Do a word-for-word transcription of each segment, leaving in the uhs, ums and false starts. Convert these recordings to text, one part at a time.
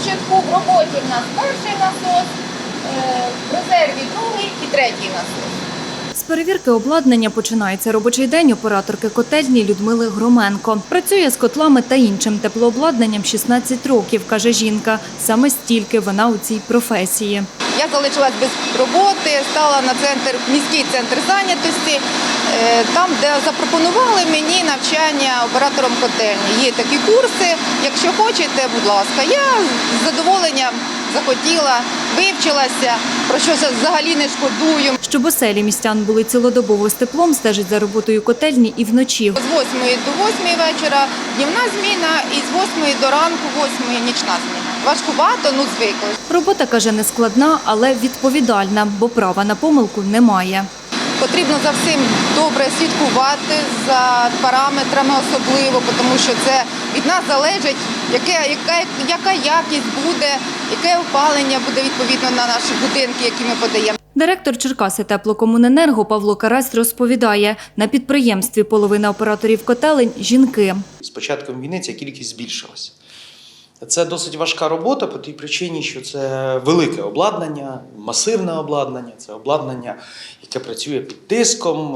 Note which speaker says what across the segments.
Speaker 1: Курченку. В роботі в нас перший насос, е, в резерві другий і третій насос.
Speaker 2: З перевірки обладнання починається робочий день операторки котельні Людмили Громенко. Працює з котлами та іншим теплообладнанням шістнадцять років, каже жінка. Саме стільки вона у цій професії.
Speaker 1: Я залишилась без роботи, стала на центр, міський центр зайнятості, е, там, де запропонували мені навчання оператором котельні. Є такі курси, якщо хочете, будь ласка. Я з задоволенням захотіла, вивчилася, про що взагалі не шкодую.
Speaker 2: Щоб оселі містян були цілодобово з теплом, стежить за роботою котельні і вночі.
Speaker 1: З восьмої до восьмої вечора днівна зміна і з восьмої до ранку восьмої нічна зміна. Важкувато, ну звикли.
Speaker 2: Робота, каже, не складна, але відповідальна, бо права на помилку немає.
Speaker 1: Потрібно за всім добре слідкувати, за параметрами особливо, тому що це від нас залежить, яке, яка, яка якість буде, яке опалення буде відповідно на наші будинки, які ми подаємо.
Speaker 2: Директор Черкаси теплокомуненерго Павло Карась розповідає, на підприємстві половина операторів котелень – жінки.
Speaker 3: З початком війни ця кількість збільшилася. Це досить важка робота по тій причині, що це велике обладнання, масивне обладнання, це обладнання, яке працює під тиском,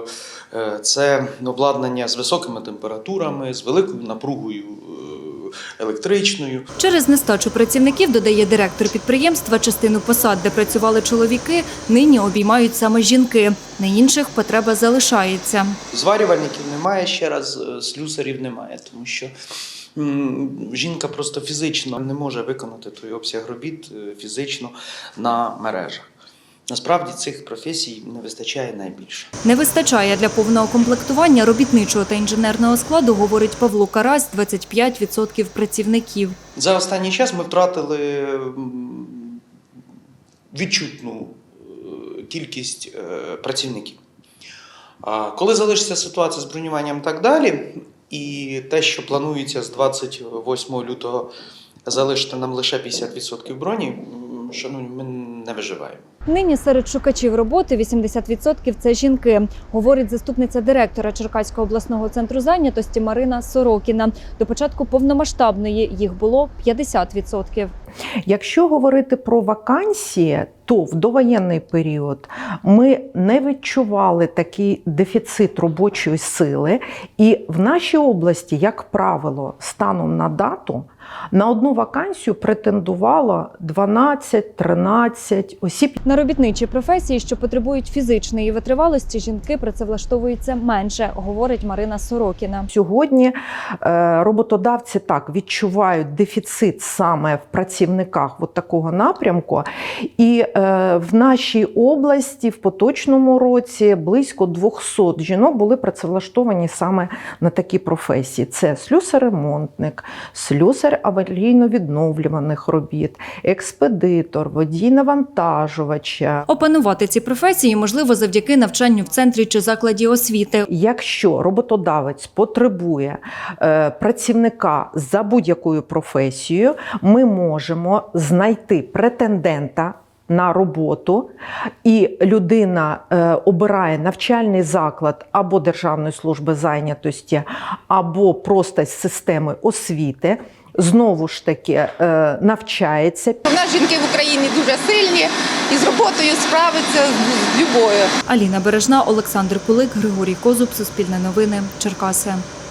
Speaker 3: це обладнання з високими температурами, з великою напругою електричною.
Speaker 2: Через нестачу працівників, додає директор підприємства, частину посад, де працювали чоловіки, нині обіймають саме жінки. На інших потреба залишається.
Speaker 3: Зварювальників немає, ще раз, слюсарів немає, тому що жінка просто фізично не може виконати той обсяг робіт фізично на мережах. Насправді цих професій не вистачає найбільше.
Speaker 2: Не вистачає для повного комплектування робітничого та інженерного складу, говорить Павло Карась, двадцять п'ять відсотків працівників.
Speaker 3: За останній час ми втратили відчутну кількість працівників. Коли залишиться ситуація з бронюванням і так далі, і те, що планується з двадцять восьмого лютого залишити нам лише п'ятдесят відсотків броні, шановні, ми не виживаємо.
Speaker 2: Нині серед шукачів роботи вісімдесят відсотків – це жінки, говорить заступниця директора Черкаського обласного центру зайнятості Марина Сорокіна. До початку повномасштабної їх було п'ятдесят відсотків.
Speaker 4: Якщо говорити про вакансії, то в довоєнний період ми не відчували такий дефіцит робочої сили. І в нашій області, як правило, станом на дату, на одну вакансію претендувало дванадцять-тринадцять осіб.
Speaker 2: На робітничі професії, що потребують фізичної витривалості, жінки працевлаштовуються менше, говорить Марина Сорокіна.
Speaker 4: Сьогодні роботодавці так відчувають дефіцит саме в працівниках от такого напрямку. І в нашій області в поточному році близько двохсот жінок були працевлаштовані саме на такі професії. Це слюсар-ремонтник, слюсар аварійно-відновлюваних робіт, експедитор, водій навантажувача.
Speaker 2: Опанувати ці професії можливо завдяки навчанню в центрі чи закладі освіти.
Speaker 4: Якщо роботодавець потребує е, працівника за будь-якою професією, ми можемо знайти претендента на роботу, і людина е, обирає навчальний заклад або Державної служби зайнятості, або просто з системи освіти, знову ж таки е, навчається.
Speaker 1: У нас жінки в Україні дуже сильні і з роботою справиться з любою.
Speaker 2: Аліна Бережна, Олександр Кулик, Григорій Козуб, Суспільне новини, Черкаси.